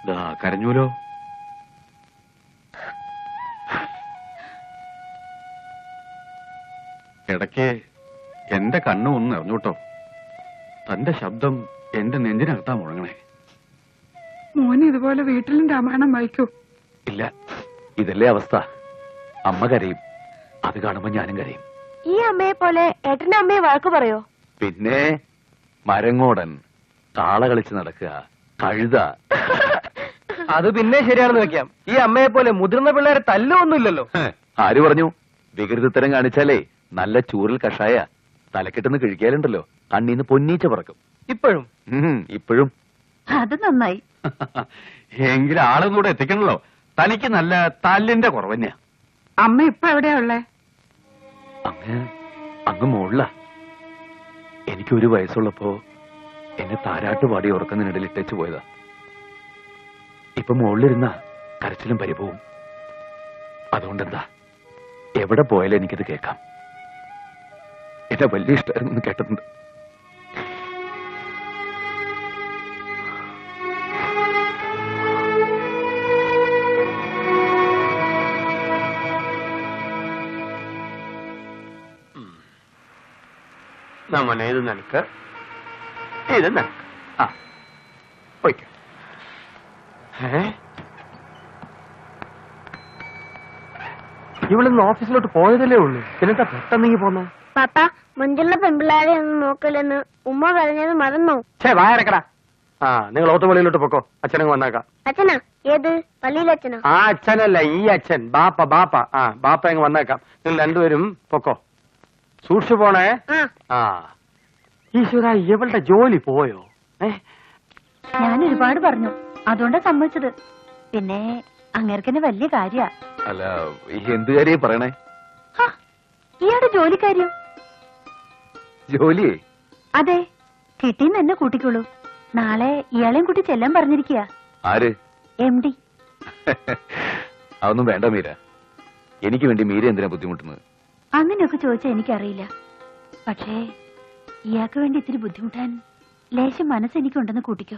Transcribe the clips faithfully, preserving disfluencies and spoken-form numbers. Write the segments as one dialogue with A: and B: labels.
A: കരഞ്ഞൂലോ? ഇടയ്ക്ക് എന്റെ കണ്ണു ഒന്ന് നിറഞ്ഞൂട്ടോ. തന്റെ ശബ്ദം എന്റെ നെഞ്ചിനകത്താ മുഴങ്ങണേ.
B: മോന് ഇതുപോലെ വീട്ടിലും രാമായണം വായിക്കൂ?
C: ഇല്ല, ഇതല്ലേ അവസ്ഥ. അമ്മ കരയും, അത് കാണുമ്പോ ഞാനും കരയും.
D: ഈ അമ്മയെ പോലെ ഏട്ടന്റെ അമ്മയെ വഴക്ക് പറയോ?
C: പിന്നെ മരങ്ങോടൻ, താള കളിച്ച് നടക്കുക, കഴുത.
E: അത് പിന്നെ ശരിയാണെന്ന് വെക്കാം. ഈ അമ്മയെ പോലെ മുതിർന്ന പിള്ളേരെ തല്ലൊന്നുമില്ലല്ലോ.
C: ആര് പറഞ്ഞു? വികൃതിത്തരം കാണിച്ചാലേ നല്ല ചൂറിൽ കഷായ തലക്കെട്ടുന്ന് കിഴിക്കാലുണ്ടല്ലോ, കണ്ണീന്ന് പൊന്നീച്ച പറക്കും.
E: ഇപ്പോഴും
C: ഇപ്പോഴും
D: അത് നന്നായി.
A: എങ്കിലും ആളും കൂടെ എത്തിക്കണല്ലോ. തനിക്ക് നല്ല തല്ലിന്റെ കുറവന്നെയാ.
B: അമ്മ ഇപ്പൊ എവിടെയാ ഉള്ളേ?
C: അങ്ങ് അങ്ങ് മോളില. എനിക്കൊരു വയസ്സുള്ളപ്പോ എന്നെ താരാട്ട് പാടി ഉറക്കുന്നതിനിടയിൽ ഇട്ടേച്ചു പോയതാ. ഇപ്പൊ മുകളിലിരുന്ന കരച്ചിലും പരിഭവവും. അതുകൊണ്ടെന്താ, എവിടെ പോയാലും എനിക്കത് കേൾക്കാം. എന്നെ വലിയ ഇഷ്ടമായിരുന്നു കേട്ടിട്ടുണ്ട്.
E: നമ്മനെ ഇത് നിനക്ക്, ഇത് നിനക്ക്. ആ പോയിക്കോ. ഇവിടുന്ന് ഓഫീസിലോട്ട് പോയതല്ലേ ഉള്ളൂ, പിന്നെന്താ പെട്ടെന്നെങ്കിൽ പോന്നെ?
D: പാപ്പ, മുഞ്ചുള്ള പെൺപിള്ളാരെ ഒന്നും നോക്കില്ലെന്ന് ഉമ്മ പറഞ്ഞത് മറന്നോ?
E: ഛേ, വായരക്കടാ. ആ, നിങ്ങൾ ഓത്തുപള്ളിയിലോട്ട് പൊക്കോ, അച്ഛനങ്ങ് വന്നേക്കാം.
D: അച്ഛനാ? ഏത് പള്ളിയിലച്ഛനോ?
E: ആ അച്ഛനല്ല, ഈ അച്ഛൻ. ബാപ്പ ബാപ്പ ആ ബാപ്പ അങ്ങ് വന്നേക്കാം. നിങ്ങൾ രണ്ടുപേരും പൊക്കോ, സൂക്ഷിച്ചു പോണേ. ആ ഈശ്വര, ഇവളുടെ ജോലി പോയോ? ഏ
D: ഞാൻ ഒരുപാട് പറഞ്ഞു, അതുകൊണ്ടാ സമ്മതിച്ചത്. പിന്നെ അങ്ങേർക്കെന്നെ വലിയ കാര്യ.
C: അല്ല, എന്ത് കാര്യം പറയണേ?
D: ഇയാളുടെ ജോലിക്കാര്യം.
C: ജോലിയേ?
D: അതെ, കിട്ടിന്ന് എന്നെ കൂട്ടിക്കോളൂ. നാളെ ഇയാളെയും കൂട്ടി ചെല്ലാൻ പറഞ്ഞിരിക്കുക.
C: ആര്?
D: M D.
C: അതൊന്നും വേണ്ട മീര. എനിക്ക് വേണ്ടി മീര എന്തിനാ ബുദ്ധിമുട്ടുന്നത്?
D: അങ്ങനെയൊക്കെ ചോദിച്ചാൽ എനിക്കറിയില്ല. പക്ഷേ ഇയാൾക്ക് വേണ്ടി ഇത്തിരി ബുദ്ധിമുട്ടാൻ ലേശം മനസ്സെനിക്കുണ്ടെന്ന് കൂട്ടിക്കോ.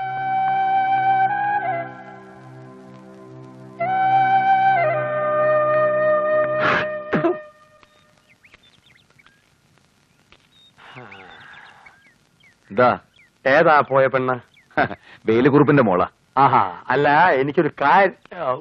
C: എന്താ?
E: ഏതാ പോയ പെണ്ണ്?
C: വേലുകുറുപ്പിന്റെ മോളാ.
E: ആഹാ, അല്ല, എനിക്കൊരു കാര്യം.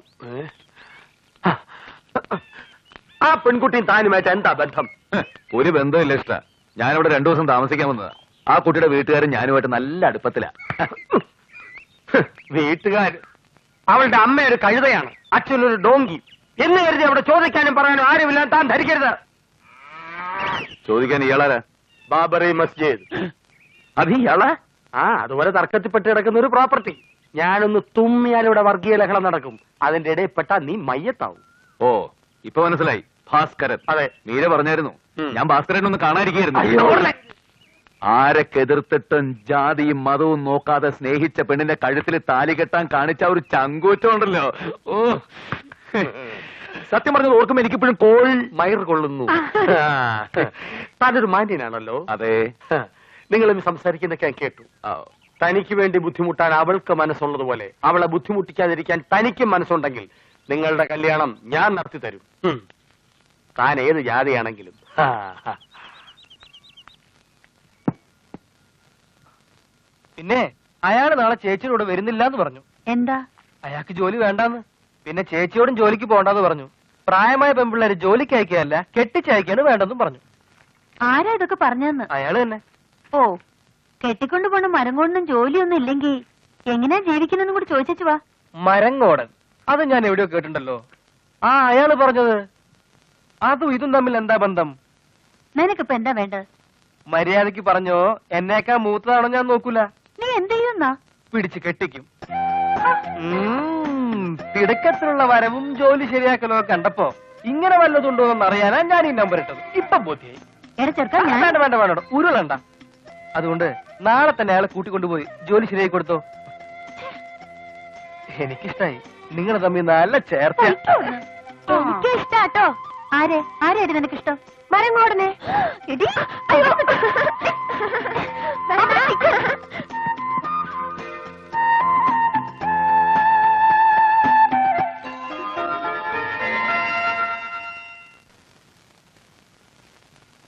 E: ആ പെൺകുട്ടിയും താനുമായിട്ട് എന്താ ബന്ധം?
C: ഒരു ബന്ധമില്ല ഇഷ്ട. ഞാനിവിടെ രണ്ടു ദിവസം താമസിക്കാൻ വന്നതാ. ആ കുട്ടിയുടെ വീട്ടുകാരൻ ഞാനുമായിട്ട് നല്ല അടുപ്പത്തിലാ.
E: വീട്ടുകാർ? അവളുടെ അമ്മ ഒരു കഴുതയാണ്, അച്ഛനൊരു ഡോങ്കി എന്ന് കരുതി അവിടെ ചോദിക്കാനും പറയാനും ആരുമില്ല താൻ ധരിക്കരുത്.
C: ചോദിക്കാൻ ഇയാളാരാ?
E: ബാബറി മസ്ജിദ്.
C: അത് ഇയാളാ?
E: ആ, അതുപോലെ തർക്കത്തിൽപ്പെട്ട് കിടക്കുന്ന ഒരു പ്രോപ്പർട്ടി. ഞാനൊന്ന് തുമ്മിയാൽ ഇവിടെ വർഗീയ ലഹളം നടക്കും. അതിന്റെ ഇടയിൽപ്പെട്ട നീ മയ്യത്താവും.
C: ഓ, ഇപ്പൊ മനസ്സിലായി. ഭാസ്കരൻ.
E: അതെ,
C: മീര പറഞ്ഞായിരുന്നു. ഞാൻ ഭാസ്കരൻ ഒന്ന് കാണാതിരിക്കുന്നു.
E: അയ്യോ,
C: ആരൊക്കെ എതിർത്തിട്ടും ജാതിയും മതവും നോക്കാതെ സ്നേഹിച്ച പെണ്ണിന്റെ കഴുത്തിൽ താലി കെട്ടാൻ കാണിച്ച ഒരു ചങ്കൂറ്റം ഉണ്ടല്ലോ. ഓ, സത്യം പറഞ്ഞത് ഓർക്കുമ്പോ എനിക്കിപ്പോഴും കോൾ
E: മയർ കൊള്ളുന്നു. താനൊരു മാന്യനാണല്ലോ.
C: അതെ.
E: നിങ്ങളൊന്ന് സംസാരിക്കുന്നൊക്കെ ഞാൻ കേട്ടു. തനിക്ക് വേണ്ടി ബുദ്ധിമുട്ടാൻ അവൾക്ക് മനസ്സുള്ളതുപോലെ അവളെ ബുദ്ധിമുട്ടിക്കാതിരിക്കാൻ തനിക്കും മനസ്സുണ്ടെങ്കിൽ നിങ്ങളുടെ കല്യാണം ഞാൻ നടത്തി തരും. താൻ ഏത് ജാതിയാണെങ്കിലും. പിന്നെ അയാൾ നാളെ ചേച്ചിയോട് വരുന്നില്ല എന്ന് പറഞ്ഞു.
D: എന്താ?
E: അയാൾക്ക് ജോലി വേണ്ടാന്ന്. പിന്നെ ചേച്ചിയോടും ജോലിക്ക് പോകണ്ടെന്ന് പറഞ്ഞു. പ്രായമായ പെൺപിള്ളേര് ജോലിക്ക് അയക്കുകയല്ല, കെട്ടിച്ചയക്കാണ് വേണ്ടെന്നും പറഞ്ഞു.
D: ആരാ ഇതൊക്കെ പറഞ്ഞതെന്ന്?
E: അയാള് തന്നെ.
D: ഓ, കെട്ടിക്കൊണ്ടു പോണ മരം കൊണ്ടൊന്നും ജോലിയൊന്നും ഇല്ലെങ്കി എങ്ങനെയാ ജീവിക്കുന്നെന്നും കൂടി ചോദിച്ചു വാ.
E: മരങ്ങോടൻ, അത് ഞാൻ എവിടെയോ കേട്ടിട്ടുണ്ടല്ലോ. ആ, അയാള് പറഞ്ഞത്. അതും ഇതും തമ്മിൽ എന്താ ബന്ധം?
D: നിനക്കിപ്പോ എന്താ വേണ്ടത്?
E: മര്യാദക്ക് പറഞ്ഞോ, എന്നേക്കാ മൂത്തതാണോ ഞാൻ നോക്കൂല.
D: നീ എന്ത് ചെയ്യുന്നാ?
E: പിടിച്ച് കെട്ടിക്കും. തിടുക്കത്തിലുള്ള വരവും ജോലി ശരിയാക്കലോ കണ്ടപ്പോ ഇങ്ങനെ വല്ലതുണ്ടോ എന്ന് അറിയാനാ ഞാൻ ഈ നമ്പർ ഇട്ടത്. ഇപ്പൊ ബോധ്യായി. വേണ്ട വേണ്ട വേണ്ട ഉരുളണ്ട. അതുകൊണ്ട് നാളെ തന്നെ അയാളെ കൂട്ടിക്കൊണ്ടുപോയി ജോലി ശരിയായി കൊടുത്തോ. എനിക്കിഷ്ടായി. നിങ്ങൾ തമ്മിൽ നല്ല ചേർച്ച.
D: എനിക്ക് ഇഷ്ടാട്ടോ. ആരെ ആരെയായിട്ട് നിനക്കിഷ്ടം? മരങ്ങോടനെ.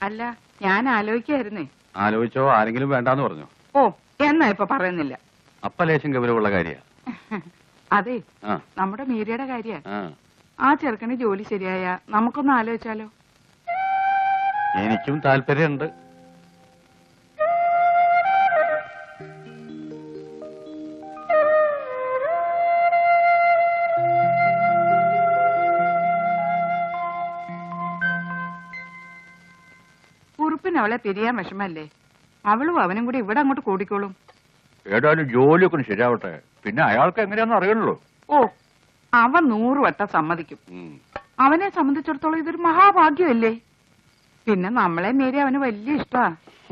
B: അല്ല ഞാൻ ആലോചിക്കായിരുന്നേ.
A: ആലോചിച്ചോ? ആരെങ്കിലും വേണ്ടാന്ന് പറഞ്ഞു?
B: ഓ എന്നാ ഇപ്പൊ പറയുന്നില്ല.
A: അപ്പ ലേശം ഗൗരവമുള്ള കാര്യ.
B: അതെ,
A: ആ
B: നമ്മുടെ മീരയുടെ കാര്യ.
A: ആ.
B: ആ ചെറുക്കന് ജോലി ശരിയായ നമുക്കൊന്ന് ആലോചിച്ചാലോ?
A: എനിക്കും താല്പര്യമുണ്ട്.
B: കുറുപ്പിന് അവളെ പിരിയാൻ വിഷമല്ലേ? അവളും അവനും കൂടി ഇവിടെ അങ്ങോട്ട് കൂടിക്കോളും.
A: ഏതായാലും ജോലിയൊക്കെ ഒന്ന് ശരിയാവട്ടെ, പിന്നെ അയാൾക്ക് എങ്ങനെയാന്ന് അറിയണല്ലോ.
B: ഓ, അവൻ നൂറ് വട്ടം സമ്മതിക്കും. അവനെ സംബന്ധിച്ചിടത്തോളം ഇതൊരു മഹാഭാഗ്യമല്ലേ? പിന്നെ നമ്മളെ മീരി അവന് വലിയ ഇഷ്ടമാ.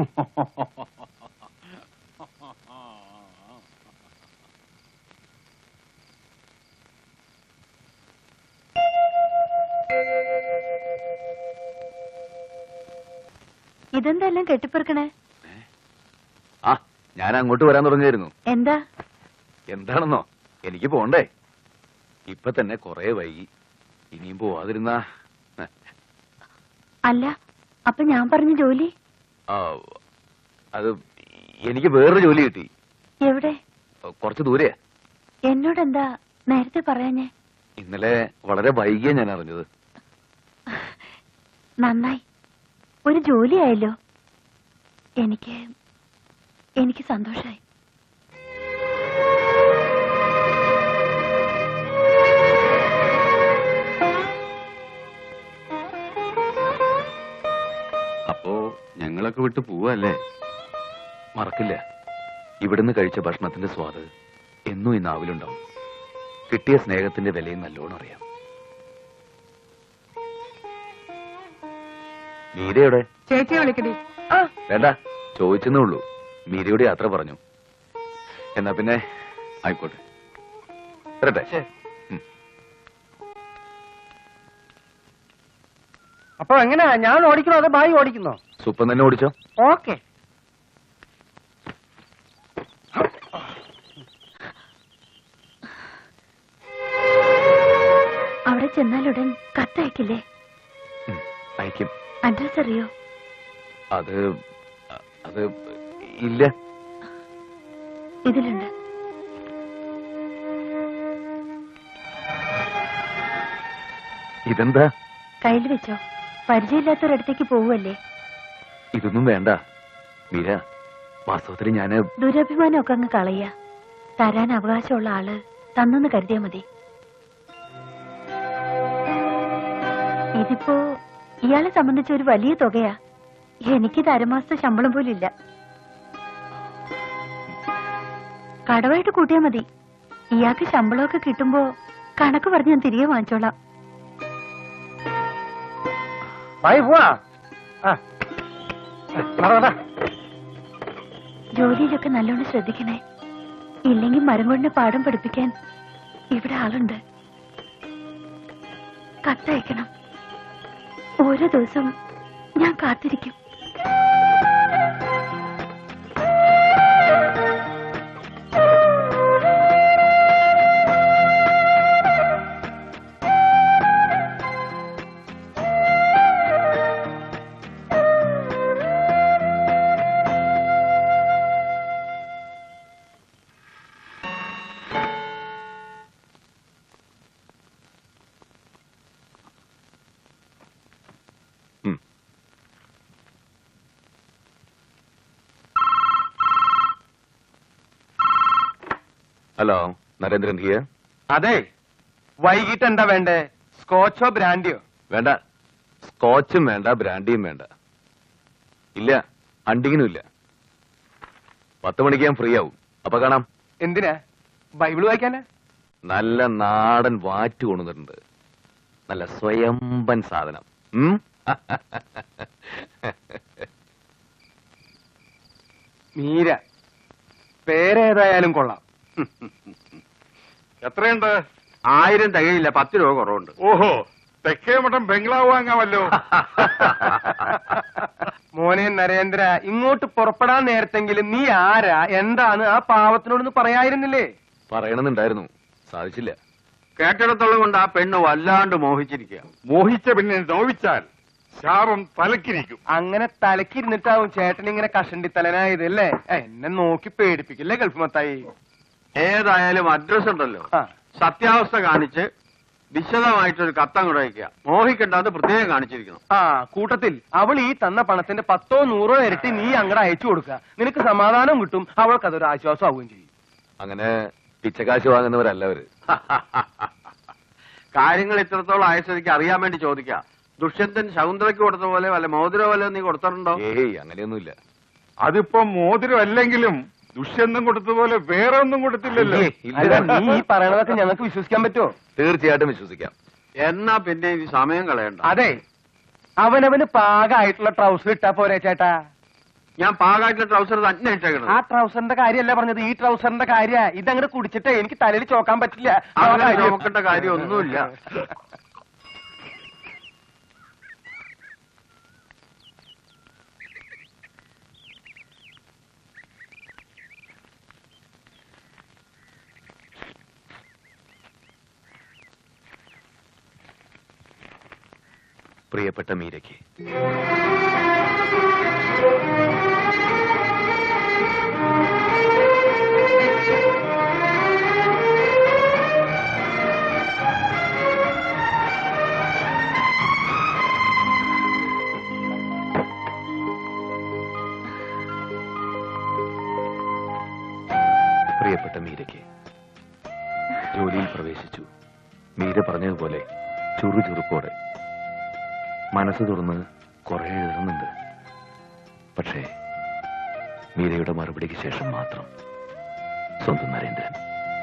D: ഇതെന്തെല്ലാം കെട്ടിപ്പെറുക്കണേ?
C: ആ ഞാൻ അങ്ങോട്ട് വരാൻ തുടങ്ങിയായിരുന്നു.
D: എന്താ?
C: എന്താണെന്നോ, എനിക്ക് പോണ്ടേ. ഇപ്പൊ തന്നെ കൊറേ വൈകി. ഇനിയും പോവാതിരുന്നാ.
D: അല്ല, അപ്പൊ ഞാൻ പറഞ്ഞ ജോലി?
C: ആ, അത് എനിക്ക് വേറൊരു ജോലി കിട്ടി.
D: എവിടെ?
C: കുറച്ച് ദൂരെയാ.
D: എന്നോടെന്താ നേരത്തെ പറയാഞ്ഞേ?
C: ഇന്നലെ വളരെ വൈകിയാ ഞാൻ അറിഞ്ഞത്.
D: നന്നായി, ഒരു ജോലിയായല്ലോ. എനിക്ക് എനിക്ക് സന്തോഷായി.
A: അപ്പോ ഞങ്ങളൊക്കെ വിട്ട് പോവല്ലേ?
C: മറക്കില്ല, ഇവിടുന്ന് കഴിച്ച ഭക്ഷണത്തിന്റെ സ്വാദ് എന്നും ഈ നാവിലുണ്ടാവും. കിട്ടിയ സ്നേഹത്തിന്റെ വിലയും നല്ലോണം അറിയാം. മീരയുടെ
B: ചേച്ചിയെ വിളിക്കടി.
C: വേണ്ട, ചോദിച്ചെന്നേ ഉള്ളൂ. മീരയുടെ യാത്ര പറഞ്ഞു. എന്നാ പിന്നെ ആയിക്കോട്ടെ, വരട്ടെ.
E: അപ്പൊ എങ്ങനെയാ, ഞാൻ ഓടിക്കണോ അതോ ബായി ഓടിക്കുന്നോ?
C: സുപ്പം തന്നെ ഓടിച്ചോ.
E: ഓക്കെ.
D: അവിടെ ചെന്നാലുടൻ കത്തയക്കില്ലേ?
C: അയക്കും.
D: അഡ്രസ് അറിയോ?
C: അത് അത് ഇല്ല.
D: ഇതിലുണ്ട്.
C: ഇതെന്താ?
D: കയ്യിൽ വെച്ചോ. പരിചയമില്ലാത്തൊരിടത്തേക്ക് പോവുമല്ലേ?
C: ഇതൊന്നും വേണ്ട മീര. വാസ്തവത്തിൽ ഞാന്
D: ദുരഭിമാനമൊക്കെ അങ്ങ് കളയ. തരാൻ അവകാശമുള്ള ആള് തന്നെന്ന് കരുതിയാ മതി. ഇതിപ്പോ ഇയാളെ സംബന്ധിച്ച ഒരു വലിയ തുകയാ. എനിക്ക് തരമാസത്തെ ശമ്പളം പോലും ഇല്ല. കടവായിട്ട് കൂട്ടിയാ മതി. ഇയാൾക്ക് ശമ്പളമൊക്കെ കിട്ടുമ്പോ കണക്ക് പറഞ്ഞ് ഞാൻ തിരികെ വാങ്ങിച്ചോളാം. ജോലിയിലൊക്കെ നല്ലോണം ശ്രദ്ധിക്കണേ. ഇല്ലെങ്കിൽ മരം കൊണ്ട് പാഠം പഠിപ്പിക്കാൻ ഇവിടെ ആളുണ്ട്. കത്തയക്കണം. ഓരോ ദിവസം ഞാൻ കാത്തിരിക്കും.
C: Hello, Narendran here.
E: അതെ, വൈകിട്ട് എന്താ വേണ്ടേ? സ്കോച്ചോ ബ്രാൻഡിയോ?
C: വേണ്ട, സ്കോച്ചും വേണ്ട, ബ്രാൻഡിയും വേണ്ട. ഇല്ല, അണ്ടിങ്ങിനും ഇല്ല. പത്ത് മണിക്ക് ഞാൻ ഫ്രീ ആവും. അപ്പൊ കാണാം.
E: എന്തിനാ? ബൈബിൾ വായിക്കാനാ?
C: നല്ല നാടൻ വാറ്റ് കൊണ്ടുവന്നിട്ടുണ്ട്. നല്ല സ്വയംബൻ സാധനം. ഉം?
E: മീര പേരേതായാലും കൊള്ളാം.
A: എത്രയുണ്ട്?
E: ആയിരം തികയില്ല, പത്ത് രൂപ കുറവുണ്ട്.
A: ഓഹോ, തെക്കേ മഠം ബംഗ്ലാവ് വാങ്ങാമല്ലോ.
E: മോനെ നരേന്ദ്ര, ഇങ്ങോട്ട് പുറപ്പെടാൻ നേരത്തെങ്കിലും നീ ആരാ എന്താണ് ആ പാവത്തിനോടൊന്ന് പറയായിരുന്നില്ലേ?
C: പറയണമെന്നുണ്ടായിരുന്നു, സാധിച്ചില്ല.
E: കേട്ടിടത്തോളം കൊണ്ട് ആ പെണ്ണ് വല്ലാണ്ട് മോഹിച്ചിരിക്കുക.
A: മോഹിച്ച പിന്നെ നോവിച്ചാൽ
F: ശാപം തലക്കിരിക്കും.
E: അങ്ങനെ തലക്കിരുന്നിട്ടാവും ചേട്ടൻ ഇങ്ങനെ കഷണ്ടി തലനായത് അല്ലേ? എന്നെ നോക്കി പേടിപ്പിക്കില്ലേ ഗൾഫ് മത്തായി?
A: ഏതായാലും അഡ്രസ് ഉണ്ടല്ലോ,
E: ആ.
A: സത്യാവസ്ഥ കാണിച്ച് വിശദമായിട്ടൊരു കത്തങ്ങോട്ട് അയക്കുക. മോഹിക്കണ്ടെന്ന് പ്രത്യേകം കാണിച്ചിരിക്കണം.
E: ആ കൂട്ടത്തിൽ അവൾ ഈ തന്ന പണത്തിന്റെ പത്തോ നൂറോ ഇരട്ടി നീ അങ്ങടെ അയച്ചു കൊടുക്കുക. നിനക്ക് സമാധാനം കിട്ടും, അവൾക്ക് അതൊരു ആശ്വാസം ആവുകയും ചെയ്യും.
C: അങ്ങനെ പിച്ചക്കാശ് വാങ്ങുന്നവരല്ല അവര്.
A: കാര്യങ്ങൾ ഇത്രത്തോളം ആയസ്ഥിതിക്ക് അറിയാൻ വേണ്ടി ചോദിക്കാം. ദുഷ്യന്തൻ ശകുന്തളയ്ക്ക് കൊടുത്ത പോലെ വല്ല മോതിരോ വല്ല നീ കൊടുത്തിട്ടുണ്ടോ?
C: ഏയ് അങ്ങനെയൊന്നുമില്ല.
F: അതിപ്പോ മോതിരം അല്ലെങ്കിലും ദുഷ്യന്തം കൊടുത്തതുപോലെ വേറെ ഒന്നും കൊടുത്തില്ലല്ലോ.
C: ഏയ്, ഇല്ല.
E: അല്ല നീ ഈ പറയണതൊക്കെ ഞങ്ങൾക്ക് വിശ്വസിക്കാൻ പറ്റുമോ?
C: തീർച്ചയായിട്ടും വിശ്വസിക്കാം.
A: എന്നാ പിന്നെ ഇനി സമയം കളയണ്ട.
E: അതെ, അവനവന് പാകമായിട്ടുള്ള ട്രൗസർ ഇട്ടാ പോരെ ചേട്ടാ.
A: ഞാൻ പാകായിട്ടുള്ള ട്രൗസർ തന്നെ ഇട്ടേക്കണം.
E: ആ ട്രൗസറിന്റെ കാര്യമല്ല പറഞ്ഞത്, ഈ ട്രൗസറിന്റെ കാര്യ. ഇതങ്ങനെ കുടിച്ചിട്ട് എനിക്ക് തലയിൽ ചോക്കാൻ പറ്റില്ല.
A: അങ്ങനെ നോക്കേണ്ട കാര്യം ഒന്നുമില്ല.
C: പ്രിയപ്പെട്ട മീരയ്ക്ക് പ്രിയപ്പെട്ട മീരയ്ക്ക് ജോലിയിൽ പ്രവേശിച്ചു. മീര പറഞ്ഞതുപോലെ ചുറുചുറുക്കോടെ മനസ്സ് തുറന്ന് കുറെ എഴുതുന്നുണ്ട്. പക്ഷേ മീരയുടെ മറുപടിക്ക് ശേഷം മാത്രം സ്വന്തം നരേന്ദ്രൻ.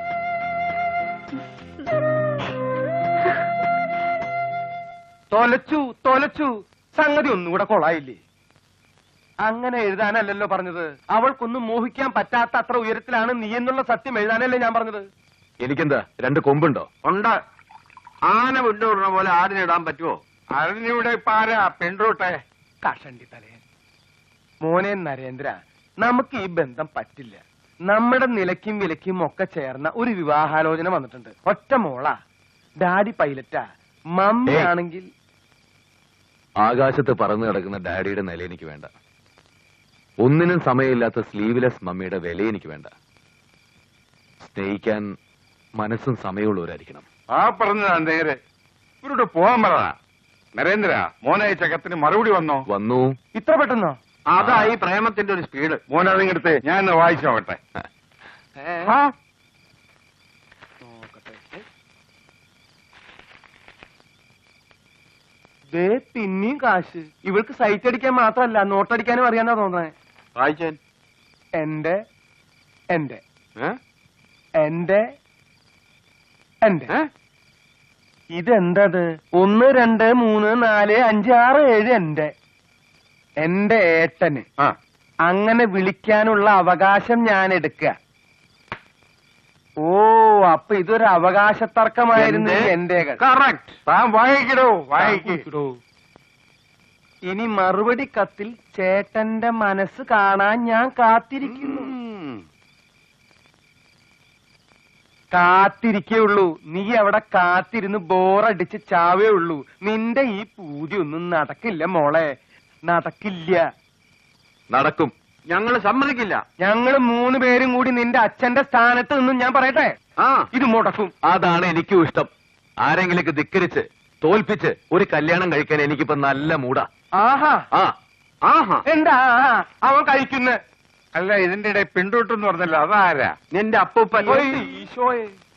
E: തൊലച്ചു തൊലച്ചു സംഗതി ഒന്നുകൂടെ കൊളായില്ലേ? അങ്ങനെ എഴുതാനല്ലല്ലോ പറഞ്ഞത്. അവൾക്കൊന്നും മോഹിക്കാൻ പറ്റാത്ത അത്ര ഉയരത്തിലാണ് നീ എന്നുള്ള സത്യം എഴുതാനല്ലേ ഞാൻ പറഞ്ഞത്.
C: എനിക്കെന്താ രണ്ട് കൊമ്പുണ്ടോ?
A: ഉണ്ട്. ആന വിട്ടുവിടുന്ന പോലെ ആടിനിടാൻ പറ്റുമോ?
F: അതിനിവിടെ പാരാ പെൺറൂട്ടെ.
E: കഷണ്ടി തലയൻ. മോനെ നരേന്ദ്ര, നമുക്ക് ഈ ബന്ധം പറ്റില്ല. നമ്മുടെ നിലയ്ക്കും വിലയ്ക്കും ഒക്കെ ചേർന്ന ഒരു വിവാഹാലോചന വന്നിട്ടുണ്ട്. ഒറ്റ മോളാ, ഡാഡി പൈലറ്റാ, മമ്മി
C: ഏയ്.
E: ആണെങ്കിൽ
C: ആകാശത്ത് പറന്നു കിടക്കുന്ന ഡാഡിയുടെ നില എനിക്ക് വേണ്ട. ഒന്നിനും സമയമില്ലാത്ത സ്ലീവ്ലെസ് മമ്മിയുടെ വില എനിക്ക് വേണ്ട. സ്നേഹിക്കാൻ മനസ്സും സമയമുള്ളവരായിരിക്കണം.
F: ആ പറഞ്ഞതാ നേരെ. ഇവരോട് പോകാൻ പറ. നരേന്ദ്ര, മോനയച്ച കത്തിന് മറുപടി വന്നോ?
C: വന്നു.
E: ഇത്ര പെട്ടെന്നോ?
A: അതാ ഈ പ്രേമത്തിന്റെ ഒരു സ്പീഡ്.
F: മോനതിങ്ങടുത്ത് ഞാൻ ഒന്ന് വായിച്ചോട്ടെ.
E: ആ. ദേ പിന്നെയും കാശ്. ഇവൾക്ക് സൈറ്റ് അടിക്കാൻ മാത്രമല്ല നോട്ടടിക്കാനും അറിയാന്നാ തോന്നണേ.
A: വായിച്ചേൻ.
E: എന്റെ എന്റെ
A: ഏ?
E: എന്റെ എന്റെ
A: ഏ?
E: ഇതെന്തത്? ഒന്ന് രണ്ട് മൂന്ന് നാല് അഞ്ച് ആറ് ഏഴ് എന്റെ എന്റെ ഏട്ടന്
F: ആ,
E: അങ്ങനെ വിളിക്കാനുള്ള അവകാശം ഞാൻ എടുക്കുക. ഓ, അപ്പൊ ഇതൊരു അവകാശ തർക്കമായിരുന്നു ഈ എന്റെകൾ.
A: കറക്റ്റ്.
F: താൻ വായിക്കടോ, വായിക്കോ.
E: ഇനി മറുപടി കത്തിൽ ചേട്ടന്റെ മനസ്സ് കാണാൻ ഞാൻ കാത്തിരിക്കുന്നു. കാത്തിരിക്കേ നീ അവിടെ കാത്തിരുന്ന് ബോറടിച്ച് ചാവേ ഉള്ളൂ. നിന്റെ ഈ പൂതി ഒന്നും നടക്കില്ല മോളെ, നടക്കില്ല.
C: നടക്കും.
A: ഞങ്ങള് സമ്മതിക്കില്ല.
E: ഞങ്ങള് മൂന്ന് പേരും കൂടി നിന്റെ അച്ഛന്റെ സ്ഥാനത്ത് നിന്നും ഞാൻ പറയട്ടെ,
A: ആ
E: ഇത് മുടക്കും.
C: അതാണ് എനിക്കും ഇഷ്ടം. ആരെങ്കിലേക്ക് ധിക്കരിച്ച് തോൽപ്പിച്ച് ഒരു കല്യാണം കഴിക്കാൻ എനിക്കിപ്പോ നല്ല മൂടാ.
E: ആഹാ,
C: ആ
A: ആഹാ.
E: എന്താ ആഹാ? അവൻ കഴിക്കുന്ന
F: അല്ല, ഇതിന്റെ ഇടയിൽ പെൺറൂട്ടെന്ന് പറഞ്ഞല്ലോ, അതാരാ?
A: നിന്റെ അപ്പൂപ്പൻ.
E: ഈശോയെ.